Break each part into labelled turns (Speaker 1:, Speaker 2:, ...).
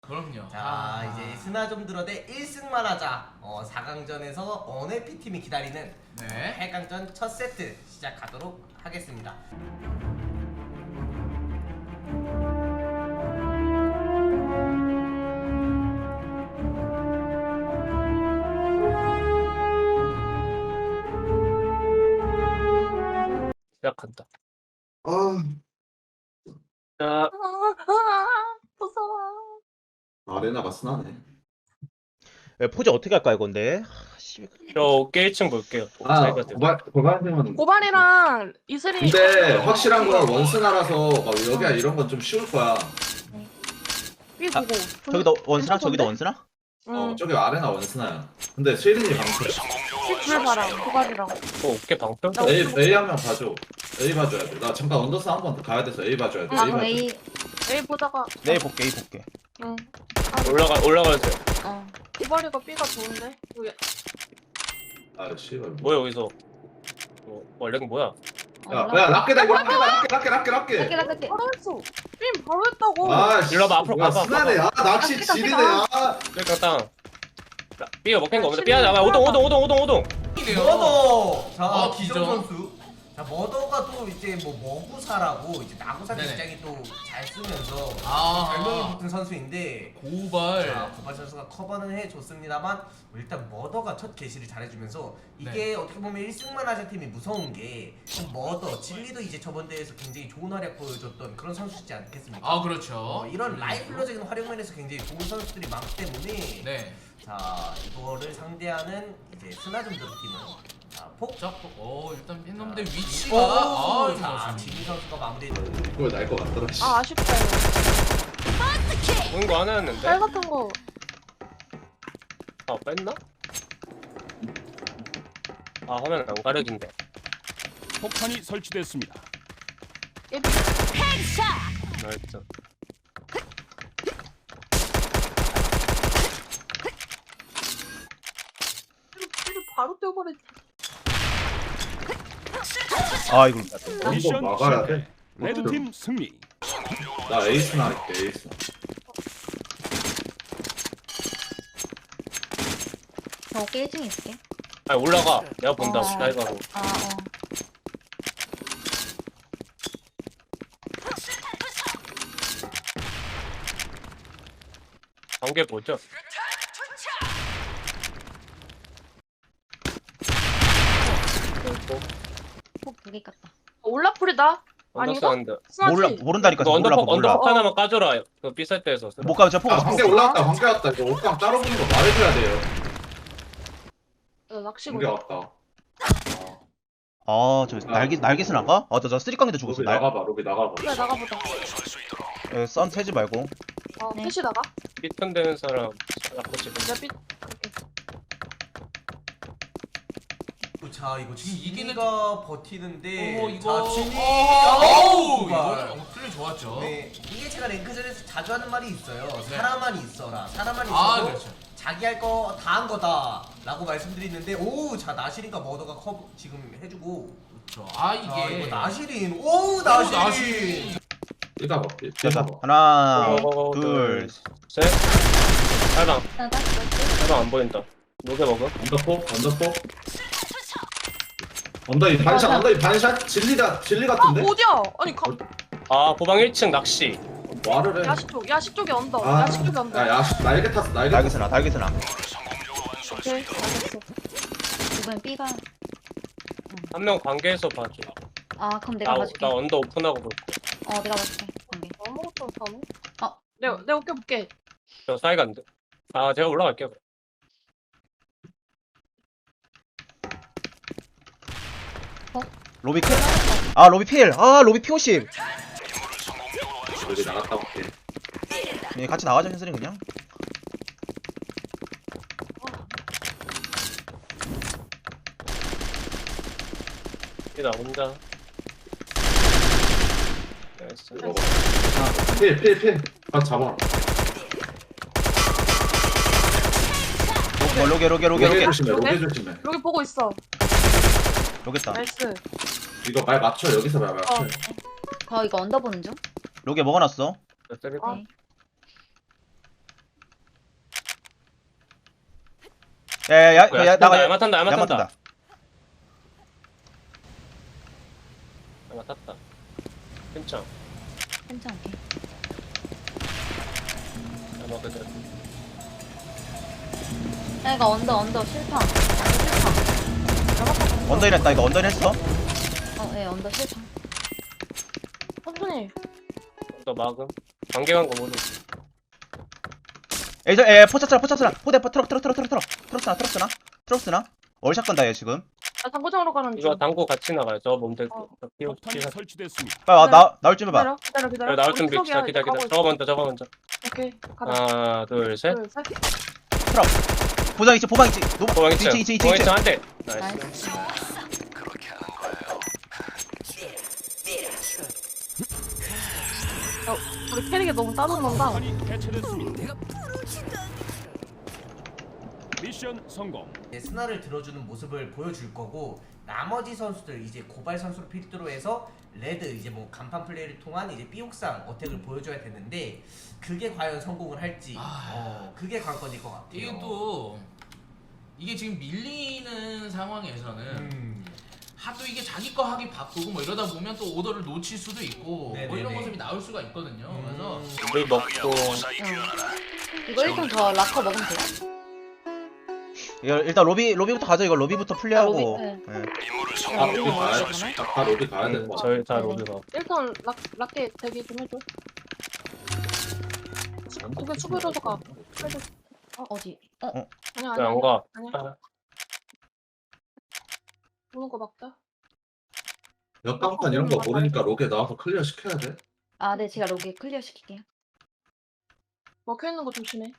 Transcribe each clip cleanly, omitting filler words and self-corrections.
Speaker 1: 그럼요.
Speaker 2: 자 이제 스나 좀 들어 대 1승만 하자. 4강전에서 언해피팀이 기다리는
Speaker 1: 네.
Speaker 2: 8강전 첫 세트 시작하도록 하겠습니다.
Speaker 3: 시작한다.
Speaker 4: 아,
Speaker 3: 자,
Speaker 5: 무서워.
Speaker 4: 아레나가 순하네.
Speaker 6: 포즈 어떻게 할까 이건데?
Speaker 3: 저 깨 1층 볼게요.
Speaker 4: 아,
Speaker 3: 차이가 돼요.
Speaker 4: 고발되면.
Speaker 5: 고발이랑 이슬이.
Speaker 4: 근데 확실한 건 원스나라서 막 여기야 이런 건 좀 쉬울 거야.
Speaker 5: 삐 보고.
Speaker 6: 저기도 원스나? 저기도 원스나?
Speaker 5: 응.
Speaker 4: 저기 아레나 원스나야. 근데 스웨린이 방패.
Speaker 5: 삐둘 봐라. 고발이랑.
Speaker 3: 어깨 방패?
Speaker 5: 나-
Speaker 4: A 한 명 봐줘. A 봐줘야 돼. 나 잠깐 언더스 한 번 더 가야 돼서 A 봐줘야 돼.
Speaker 5: 아,
Speaker 4: A 봐줘.
Speaker 5: A 보다가.
Speaker 6: 내일 볼게 이 볼게.
Speaker 5: 응.
Speaker 3: 올라가야 돼.
Speaker 5: 고발이가 B가 좋은데.
Speaker 4: 아, 씨발.
Speaker 3: 뭐야 여기서? 원래는 뭐야?
Speaker 4: 야, 락게다 이거 락게.
Speaker 5: 바로 했어. 삐 바로 했다고.
Speaker 4: 아, 씨.
Speaker 3: 일로 와봐, 앞으로
Speaker 4: 뭐야,
Speaker 3: 가봐,
Speaker 4: 순하네. 아, 낚시
Speaker 5: 락게다,
Speaker 4: 지리네.
Speaker 5: 락게다.
Speaker 4: 아,
Speaker 3: 그러니까 땅. B가 먹힌 거 없는데 B야 나와. 오동.
Speaker 2: 머더. 자
Speaker 1: 어,
Speaker 2: 기정
Speaker 1: 기정.
Speaker 2: 선수. 자 머더가 또 이제 뭐 머구사라고 이제 나구사
Speaker 1: 네네.
Speaker 2: 굉장히 또 잘 쓰면서
Speaker 1: 아.
Speaker 2: 별명이 붙은 선수인데.
Speaker 1: 고발.
Speaker 2: 자, 고발 선수가 커버는 해줬습니다만 일단 머더가 첫 게시를 잘해주면서 이게 어떻게 보면 1승만 하자 팀이 무서운 게 머더, 진리도 이제 저번 대회에서 굉장히 좋은 활약 보여줬던 그런 선수지 않겠습니까?
Speaker 1: 아 그렇죠.
Speaker 2: 이런 라이플러적인 활용면에서 굉장히 좋은 선수들이 많기 때문에
Speaker 1: 네.
Speaker 2: 자 이거를 상대하는 이제 스나좀들 팀은 자 폭.
Speaker 1: 자, 일단 팬놈들
Speaker 2: 자,
Speaker 1: 위치가
Speaker 2: 오, 자
Speaker 1: 좋았습니다.
Speaker 2: 진리 선수가 마무리.
Speaker 4: 이거 날것 같더라. 씨.
Speaker 5: 아, 아쉽다. 이거.
Speaker 3: 보는 거 하나 했는데.
Speaker 5: 짤 같은 거.
Speaker 3: 아 뺐나? 아 화면 안 가려진대.
Speaker 7: 폭탄이 설치됐습니다.
Speaker 5: 예비.
Speaker 3: 나이스.
Speaker 5: 삐를 바로 떼어버렸지.
Speaker 6: 아 이걸
Speaker 4: 이거
Speaker 7: 미션
Speaker 4: 막아야
Speaker 7: 실패.
Speaker 4: 돼.
Speaker 7: 레드팀 승리.
Speaker 4: 나 에이스나 할게, 에이스.
Speaker 8: 저 어깨 1층에 있을게.
Speaker 3: 아니 올라가. 내가 본다.
Speaker 8: 어.
Speaker 3: 나이가로. 관계 보죠.
Speaker 8: 폭 2개 깠다.
Speaker 5: 올라풀이다.
Speaker 3: 언더스
Speaker 5: 아닌가?
Speaker 3: 한데.
Speaker 6: 몰라
Speaker 5: 스나지.
Speaker 6: 모른다니까
Speaker 3: 너
Speaker 6: 몰라
Speaker 3: 언더폭
Speaker 6: 몰라.
Speaker 3: 하나만 까줘라. 그 비쌀 때에서.
Speaker 6: 못 가면 제가 포
Speaker 4: 아, 관계 올라왔다, 관계 왔다. 이거 옷감 따로 보는 거 말해줘야 돼요.
Speaker 5: 낚시고.
Speaker 4: 관계 왔다.
Speaker 6: 아저 날개스 나가? 아저 쓰리깡인데 죽었어.
Speaker 4: 로비 나가봐, 로비 나가봐.
Speaker 5: 그래, 나가보자.
Speaker 6: 썬 세지 말고.
Speaker 8: 네.
Speaker 5: 셋이 나가.
Speaker 3: 삐튼 되는 사람. 자꾸 지금.
Speaker 5: 내가 삐. 그렇게.
Speaker 2: 자 이거
Speaker 1: 지금 이기는
Speaker 2: 진리가 버티는데.
Speaker 1: 이거.
Speaker 2: 자 진리.
Speaker 1: 어우,
Speaker 2: 고발.
Speaker 1: 이거 플레이 좋았죠.
Speaker 2: 네, 이게 제가 랭크전에서 자주 하는 말이 있어요.
Speaker 1: 네.
Speaker 2: 사람만 있어라. 사람만
Speaker 1: 아,
Speaker 2: 있어도
Speaker 1: 그렇죠.
Speaker 2: 자기 할 거 다 한 거다. 라고 말씀드리는데, 오, 자, 나시린과 머더가 커버 지금 해주고.
Speaker 1: 그렇죠.
Speaker 2: 자,
Speaker 1: 이게
Speaker 2: 이거 나시린. 오, 나시린.
Speaker 1: 나시린.
Speaker 4: 삐가 봐, 삐.
Speaker 6: 자
Speaker 4: 봐.
Speaker 6: 하나
Speaker 3: 둘,
Speaker 6: 둘.
Speaker 3: 셋. 살방.
Speaker 8: 나다.
Speaker 3: 살방 안 보인다. 녹여 먹어.
Speaker 4: 언더포. 언더이 반샷. 진리 같은데?
Speaker 5: 어디야? 아니,
Speaker 3: 아 보방 1층 낚시.
Speaker 4: 말을 해.
Speaker 5: 야식 쪽에 언더.
Speaker 4: 아,
Speaker 5: 야식 쪽에 언더.
Speaker 4: 야, 날개 탔어, 날개 탔어.
Speaker 6: 날개스나.
Speaker 5: 오케이.
Speaker 8: 알겠어. 이번엔 B가.
Speaker 3: 한 명 관계에서 봐줘.
Speaker 8: 아 그럼 내가
Speaker 3: 나
Speaker 8: 봐줄게.
Speaker 3: 언더 오픈하고 볼게.
Speaker 8: 내가 봐줄게. 관계.
Speaker 5: 아무것도 못하네.
Speaker 8: 어.
Speaker 5: 내가 어깨 볼게.
Speaker 3: 저 사이가 안 돼. 아 제가 올라갈게요.
Speaker 6: 로비 클. 아 로비 필. 아 로비 P50.
Speaker 4: 여기 나갔다 올게.
Speaker 6: 예, 같이 나가자 현슬이 그냥.
Speaker 3: 나 혼자. 나이스.
Speaker 4: 필. 아, 잡아.
Speaker 6: 로게.
Speaker 4: 로게 조심해.
Speaker 5: 여기 보고 있어.
Speaker 6: 로겠다.
Speaker 5: 나이스.
Speaker 4: 이거 말 맞춰, 여기서 말 맞춰.
Speaker 5: 어.
Speaker 8: 저 이거 언더 보는 중.
Speaker 6: 로게 먹어놨어.
Speaker 3: 아,
Speaker 8: 네.
Speaker 3: 네.
Speaker 5: 어.
Speaker 8: 네.
Speaker 5: 네.
Speaker 3: 네.
Speaker 6: 야야야 나가.
Speaker 3: 야마 탄다 야마
Speaker 6: 야마
Speaker 3: 탄다
Speaker 6: 탄다.
Speaker 3: 야마 탔다 괜찮아
Speaker 8: 괜찮아. 오케이.
Speaker 3: 야마 그대로
Speaker 8: 야, 이거 언더 실패.
Speaker 6: 언더인 했다. 이거 언더인 했어.
Speaker 8: 예, 언더 실패.
Speaker 5: 천천히.
Speaker 3: 또 막음 관계간 거 모르
Speaker 6: 에이 포차스나 포대 트럭스나 월샷 건다 얘 지금.
Speaker 5: 나 당구장으로 가는
Speaker 3: 이거
Speaker 5: 중.
Speaker 3: 당구 같이 나가요 저 몸들 피우
Speaker 7: 폭탄이 설치됐습니다.
Speaker 6: 빨리 나올 준비 봐.
Speaker 5: 기다려.
Speaker 3: 나올
Speaker 5: 우리
Speaker 3: 준비
Speaker 5: 트럭이야.
Speaker 3: 기다려
Speaker 5: 가고 있어.
Speaker 3: 저거 먼저
Speaker 5: 오케이. 가자.
Speaker 3: 하나 둘셋
Speaker 5: 둘, 셋.
Speaker 6: 보장 있지 보방 있지.
Speaker 3: 보강 있죠
Speaker 6: 2층
Speaker 3: 보강 있죠 한대 나이스
Speaker 8: 나이스.
Speaker 5: 우리 캐릭이 너무 따뜻한다.
Speaker 7: 폭탄이 해체됐습니다. 미션 성공.
Speaker 2: 이제 스나를 들어주는 모습을 보여줄 거고 나머지 선수들 이제 고발 선수를 필두로 해서 레드 이제 뭐 간판 플레이를 통한 이제 삐옥상 어택을 보여줘야 되는데 그게 과연 성공을 할지 그게 관건일 것 같아요.
Speaker 1: 이게 또 이게 지금 밀리는 상황에서는 하도 이게 자기 거 하기 바쁘고 뭐 이러다 보면 또 오더를 놓칠 수도 있고 뭐 이런
Speaker 2: 네네네.
Speaker 1: 모습이 나올 수가 있거든요. 그래서
Speaker 3: 물 먹고
Speaker 8: 이거 1등 더 락커 먹으면 돼요?
Speaker 6: 이거 일단 로비부터 가죠. 이거 로비부터 플레이하고.
Speaker 8: 로비? 네.
Speaker 6: 예.
Speaker 4: 다 로비 가야 다 로비 가야 될 것 같아.
Speaker 3: 저희 다 로드가
Speaker 5: 일단 락게 대기 좀 해줘. 그게 수비로서 가. 해줘.
Speaker 8: 어디?
Speaker 5: 아니야.
Speaker 3: 안가
Speaker 5: 아니야. 보는 거 막자.
Speaker 4: 역광판 이런 거 모르니까 로게 나와서 클리어 시켜야 돼.
Speaker 8: 아, 네, 제가 로게 클리어 시킬게요.
Speaker 5: 먹혀 있는 거 조심해.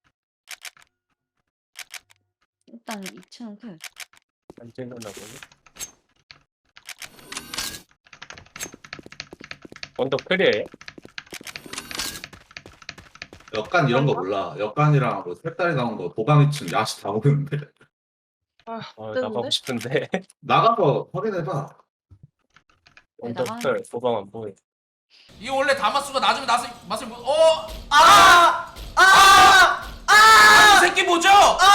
Speaker 8: 일단 2층은 클.
Speaker 3: 안 찍는다 보네 언더 클리어해?
Speaker 4: 역간 이런 거 몰라. 역간이랑 뭐 색깔이 나온 거 도방 2층 야시 다 모르는데.
Speaker 3: 나가고 싶은데
Speaker 4: 나가서 확인해봐.
Speaker 3: 언더 클 도방 안 보여
Speaker 1: 이게 원래 다마수가 낮으면 맛을 못. 이 새끼 뭐죠?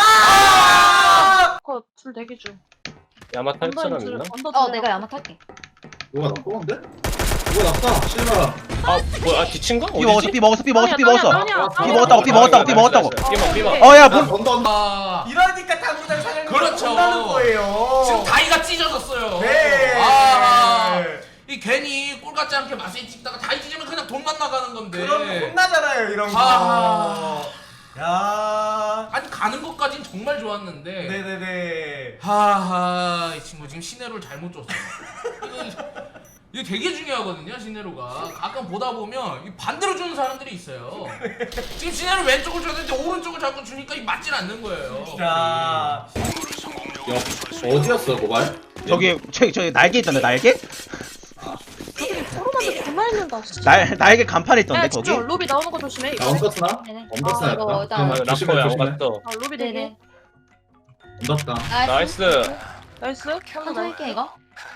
Speaker 5: 줄 대기 중.
Speaker 3: 야마 탈 사람
Speaker 5: 줄
Speaker 3: 있나?
Speaker 5: 언더
Speaker 8: 내가 야마 탈게.
Speaker 4: 누가 나 뽑은데? 누가 났다. 실마.
Speaker 3: 아 뭐야 뒤친가?
Speaker 6: 삐 먹었어. 삐 먹었어. 삐 먹었다고. 삐
Speaker 3: 삐
Speaker 6: 먹었다고.
Speaker 3: 삐먹
Speaker 6: 어야
Speaker 4: 나
Speaker 6: 뭘?
Speaker 1: 아,
Speaker 2: 이러니까 당구장 사장님
Speaker 1: 그렇죠.
Speaker 2: 혼나는 거예요.
Speaker 1: 지금 다이가 찢어졌어요.
Speaker 2: 네.
Speaker 1: 이 괜히 꼴 같지 않게 맛을 찍다가 다이 찢으면 그냥 돈만 나가는 건데.
Speaker 2: 그럼 혼나잖아요 이런 거.
Speaker 1: 아.
Speaker 2: 야.
Speaker 1: 아니 가는 것까진 정말 좋았는데.
Speaker 2: 네네네.
Speaker 1: 하하 이 친구 지금 시네로를 잘못 줬어. 이거 되게 중요하거든요 시네로가. 가끔 보다 보면 이 반대로 주는 사람들이 있어요. 지금 시네로 왼쪽을 줘야 되는데 오른쪽을 자꾸 주니까 이 맞질 않는 거예요.
Speaker 2: 자.
Speaker 4: 어디였어 고발?
Speaker 6: 저기 날개 있던데 날개?
Speaker 5: 코로나도 존나 힘든다. 진짜.
Speaker 6: 날개 간판에 있던데 거기?
Speaker 5: 집중. 로비 나오는 거 조심해.
Speaker 4: 나 언더스나?
Speaker 8: 네네.
Speaker 4: 언더스나
Speaker 8: 이거
Speaker 4: 했다.
Speaker 8: 일단
Speaker 4: 조심해
Speaker 3: 라커야 안
Speaker 4: 조심해.
Speaker 3: 갔어
Speaker 5: 로비 대기.
Speaker 8: 네네.
Speaker 4: 언더스나.
Speaker 3: 나이스
Speaker 5: 나이스.
Speaker 8: 천천히 할게 이거.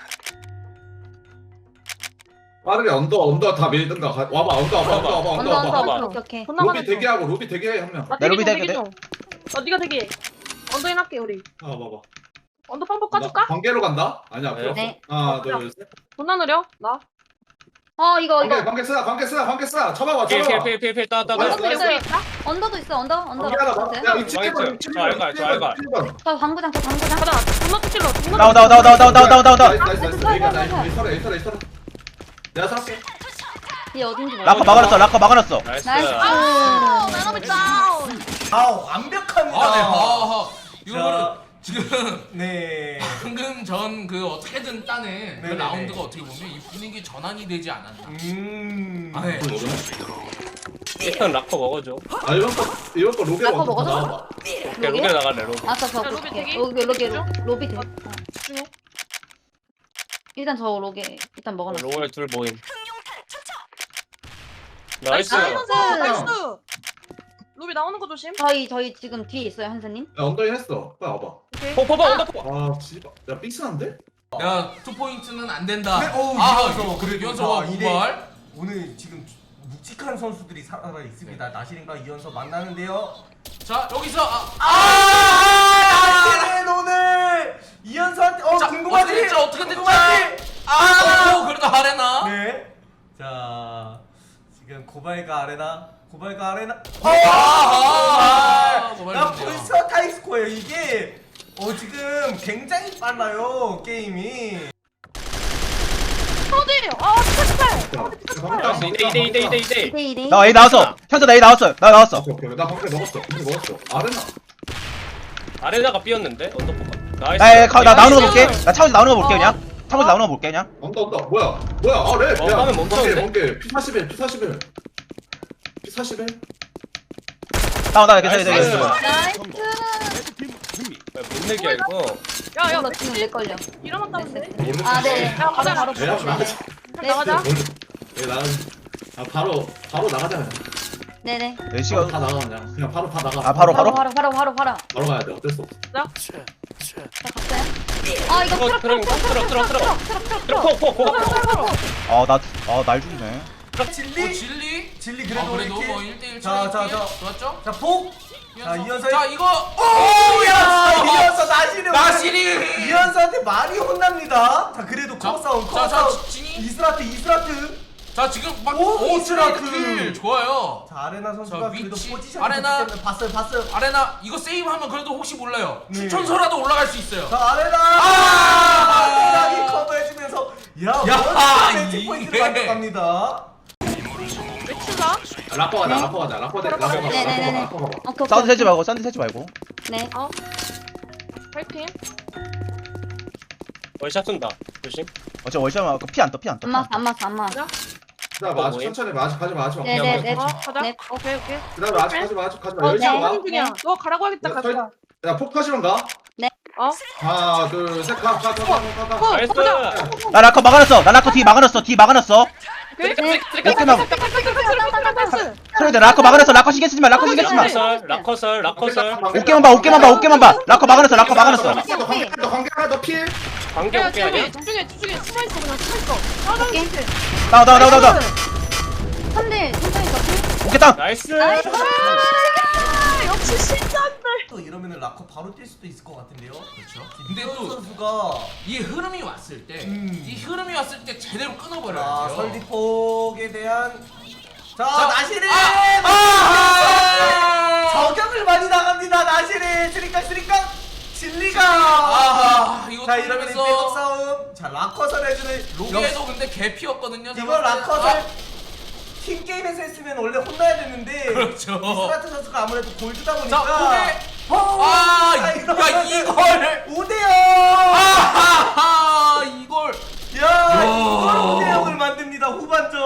Speaker 4: 빠르게 언더 다 밀든가. 와봐 언더 와봐.
Speaker 8: 언더. 오케이.
Speaker 5: 돈
Speaker 4: 로비
Speaker 5: 나가는 중.
Speaker 4: 대기하고 로비 대기해 한 명.
Speaker 5: 나
Speaker 6: 나 로비
Speaker 5: 대기
Speaker 6: 대기
Speaker 5: 중. 네가 대기. 언더인 할게 우리.
Speaker 4: 봐봐.
Speaker 5: 언더 빵폭 까줄까?
Speaker 4: 관계로 간다? 아니야 필요 없어.
Speaker 8: 네.
Speaker 4: 하나 둘 셋.
Speaker 5: 존나 느려. 나.
Speaker 8: 이거
Speaker 4: 관계 쓰라. 쳐봐봐.
Speaker 3: 필 따
Speaker 8: 언더
Speaker 5: 언더
Speaker 8: 있어요.
Speaker 5: 여기 있다.
Speaker 8: 언더도 있어. 언더.
Speaker 4: 관계 하나 봐. 야, 이
Speaker 3: 저 알가, 저 알가.
Speaker 8: 저 방구장.
Speaker 5: 가자. 존나 찔러. 존나
Speaker 6: 나온다.
Speaker 4: 나이스. 내가 살게.
Speaker 8: 얘 어딘지 몰라.
Speaker 6: 락커 막아놨어.
Speaker 3: 나이스
Speaker 8: 나이스.
Speaker 5: 나노비 다운.
Speaker 2: 완벽합니다.
Speaker 1: 이거는 지금
Speaker 2: 네.
Speaker 1: 방금 전 그 어떻게든 따는 그
Speaker 2: 네네네.
Speaker 1: 라운드가 어떻게 보면 이 분위기 전환이 되지 않았나. 아, 네.
Speaker 3: 일단 라커 먹어줘
Speaker 4: 아 이번 거 로게
Speaker 8: 라커
Speaker 4: 먼저
Speaker 8: 먹어서?
Speaker 4: 나와봐.
Speaker 3: 오케이 로게 나갈래 로게
Speaker 8: 아까 저
Speaker 5: 야, 로비
Speaker 8: 볼게.
Speaker 5: 대기.
Speaker 8: 로비 대.
Speaker 5: 집중해.
Speaker 8: 일단 저 로게 일단 먹어놨어.
Speaker 3: 로에 둘 모임 나이스
Speaker 5: 나이스. 로비 나오는 거 조심.
Speaker 8: 저희 지금 뒤에 있어요 한사님.
Speaker 4: 야 언더인 했어. 빨리 와봐.
Speaker 5: 오케이.
Speaker 3: 포포 언더 포
Speaker 4: 아 씨발. 야 삑스한데?
Speaker 1: 야, 2포인트는 안 된다.
Speaker 2: 네,
Speaker 1: 이어서
Speaker 2: 그래도
Speaker 1: 이어서와
Speaker 2: 이대-
Speaker 1: 고발.
Speaker 2: 오늘 지금 묵직한 선수들이 살아 있습니다. 나시린과 이연서 만나는데요.
Speaker 1: 자, 여기서
Speaker 2: 궁금하지?
Speaker 1: 어떻게 됐죠?
Speaker 2: 궁금하지?
Speaker 1: 아, 그래도 아레나.
Speaker 2: 네. 자, 지금 고발가 아레나.
Speaker 1: 고발
Speaker 2: 나
Speaker 1: 좋네요.
Speaker 2: 벌써 타이스코예요. 이게 지금 굉장히 빨라요 게임이.
Speaker 5: 어디? 아, 탈탈.
Speaker 3: 나이스 2대
Speaker 8: 2대2.
Speaker 6: 나 A 나왔어. 현재 나 A 나왔어. 나 나왔어.
Speaker 4: 오케이. 나 방패 먹었어. 아레나.
Speaker 3: 아레나가 삐었는데 언더포가 나이스
Speaker 6: 나 나오는 거 볼게. 나 차고지 나오는 거 볼게 그냥. 차고지 나오는 거 볼게 그냥.
Speaker 4: 온다. 뭐야? 아래.
Speaker 3: 화면 멈췄는데?
Speaker 4: 뭔게 P41. P41.
Speaker 6: 나 괜찮아.
Speaker 3: 나이스.
Speaker 8: 나이스.
Speaker 7: 레드팀 승리.
Speaker 3: 못 내기야 이거
Speaker 5: 야, 야,
Speaker 8: 나 지금 내 걸려.
Speaker 5: 일어났다면 돼.
Speaker 8: 아, 네.
Speaker 5: 야, 가자.
Speaker 8: 바로
Speaker 4: 야,
Speaker 8: 보여주세요. 네.
Speaker 5: 나가자.
Speaker 4: 바로 나가자 그냥.
Speaker 8: 네네.
Speaker 6: 네 시간.
Speaker 4: 다 나가 그냥 바로 다 나가.
Speaker 6: 아 바로.
Speaker 8: 바로
Speaker 4: 가야 돼. 어쩔 수 없어.
Speaker 8: 자, 갔어요? 아, 이거
Speaker 3: 이거
Speaker 8: 트럭
Speaker 3: 트럭
Speaker 6: 날 죽이네.
Speaker 2: 진리
Speaker 1: 아,
Speaker 2: 그래도
Speaker 1: 그래도
Speaker 2: 이렇게.
Speaker 1: 뭐 1대1
Speaker 2: 자,
Speaker 1: 좋았죠?
Speaker 2: 자, 폭. 자, 이현서.
Speaker 1: 자, 이거
Speaker 2: 이현서 나시는.
Speaker 1: 나시리.
Speaker 2: 이현서한테 많이 혼납니다. 자, 그래도
Speaker 1: 자,
Speaker 2: 커버 싸움.
Speaker 1: 자, 진이.
Speaker 2: 이스라트.
Speaker 1: 자, 지금 막
Speaker 2: 오,
Speaker 1: 스트라이크
Speaker 2: 스트라이크.
Speaker 1: 킬 좋아요.
Speaker 2: 자, 아레나 선수가
Speaker 1: 자,
Speaker 2: 그래도
Speaker 1: 위치.
Speaker 2: 포지션이
Speaker 1: 아레나.
Speaker 2: 좋기 때문에 봤어요.
Speaker 1: 아레나 이거 세이브하면 그래도 혹시 몰라요.
Speaker 2: 네.
Speaker 1: 추천서라도 올라갈 수 있어요.
Speaker 2: 자, 아레나.
Speaker 1: 아!
Speaker 2: 아레나이 커버해주면서
Speaker 1: 야,
Speaker 2: 멋진 매치
Speaker 1: 이게.
Speaker 2: 포인트를 가져갑니다.
Speaker 5: 외치자.
Speaker 4: 라퍼 가자. 라퍼
Speaker 8: 네네네네. 오케이,
Speaker 6: 사운드
Speaker 8: 오케이.
Speaker 6: 세지 말고.
Speaker 8: 네.
Speaker 5: 파이팅.
Speaker 3: 월샷 쏜다 조심
Speaker 6: 어차피 월샷만 피안 떠.
Speaker 8: 안 맞어.
Speaker 4: 자, 마주 천천히 마주 가지 마.
Speaker 8: 네네네.
Speaker 5: 가자.
Speaker 8: 네.
Speaker 5: 오케이.
Speaker 4: 그다음에 가지 마. 열심히
Speaker 8: 네.
Speaker 4: 가.
Speaker 5: 하는 중이야. 너 가라고 하겠다. 가자.
Speaker 4: 야, 폭파시면 가.
Speaker 5: 어?
Speaker 4: 하나, 둘, 셋, 가.
Speaker 3: 나이스
Speaker 6: 나 라커 막아놨어. 뒤 막아놨어.
Speaker 5: 오케이.
Speaker 8: 네.
Speaker 6: 끝나고.
Speaker 5: 패스.
Speaker 6: 소리들 라커 막아놨어. 라커 신경 쓰지 마.
Speaker 3: 라커설
Speaker 6: 어깨만 봐. 라커 막아놨어.
Speaker 4: 너 관계 하나 더 필.
Speaker 3: 관계
Speaker 5: 야,
Speaker 3: 어깨 아니야?
Speaker 5: 집중해. 숨어있어. 그냥 숨어있어.
Speaker 8: 오케이.
Speaker 6: 나.
Speaker 8: 3대 천천히 더.
Speaker 6: 오케이 다운.
Speaker 3: 나이스
Speaker 8: 나이스.
Speaker 5: 역시 신전들.
Speaker 2: 또 이러면은 라커 바로 뛸 수도 있을 것 같은데요.
Speaker 1: 그렇죠. 근데
Speaker 2: 김도현
Speaker 1: 또
Speaker 2: 선수가
Speaker 1: 이 흐름이 왔을 때, 이 흐름이 왔을 때 제대로
Speaker 2: 자,
Speaker 1: 끊어버려야 돼요.
Speaker 2: 설디폭에 대한 자,
Speaker 1: 자,
Speaker 2: 나시리
Speaker 1: 아!
Speaker 2: 저격을 많이 나갑니다. 나시리 스리깡 진리가
Speaker 1: 이거
Speaker 2: 자, 이러면
Speaker 1: 돌면서
Speaker 2: 백업 싸움. 자, 라커설 해주는
Speaker 1: 로비에도 근데 개피였거든요.
Speaker 2: 이거 라커설 팀 게임에서 했으면 원래 혼나야 되는데
Speaker 1: 그렇죠.
Speaker 2: 이스라트 선수가 아무래도 골드다
Speaker 1: 자,
Speaker 2: 보니까
Speaker 1: 야, 이걸
Speaker 2: 5대0
Speaker 1: 이걸
Speaker 2: 야, 이걸 5대0을 만듭니다. 후반전.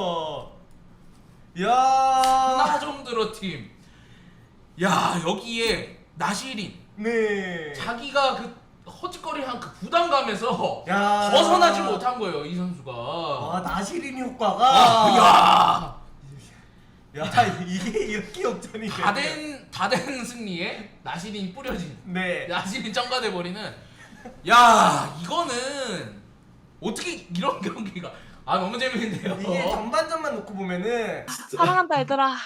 Speaker 2: 야,
Speaker 1: 하나 좀 들어 팀. 야, 여기에 나시린
Speaker 2: 네.
Speaker 1: 자기가 그 허짓거리한 그 부담감에서
Speaker 2: 야.
Speaker 1: 벗어나지 못한 거예요, 이 선수가.
Speaker 2: 와, 나시린 효과가 야, 이게 이렇게 역전이
Speaker 1: 다된 승리에 나시린이 뿌려진
Speaker 2: 네.
Speaker 1: 나시린 쩡가돼 버리는. 야, 이거는 어떻게 이런 경기가 너무 재밌는데요.
Speaker 2: 이게 전반전만 놓고 보면은
Speaker 5: 사랑한다 얘들아.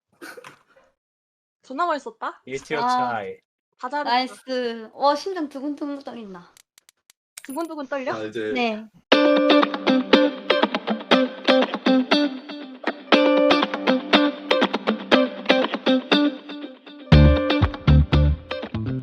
Speaker 5: 존나 멋있었다.
Speaker 3: 1티어
Speaker 8: 아.
Speaker 3: 차이
Speaker 5: 다 잘했어.
Speaker 8: 나이스. 와, 심장 두근두근 떨린다.
Speaker 5: 두근두근 떨려?
Speaker 4: 자, 이제
Speaker 8: 네.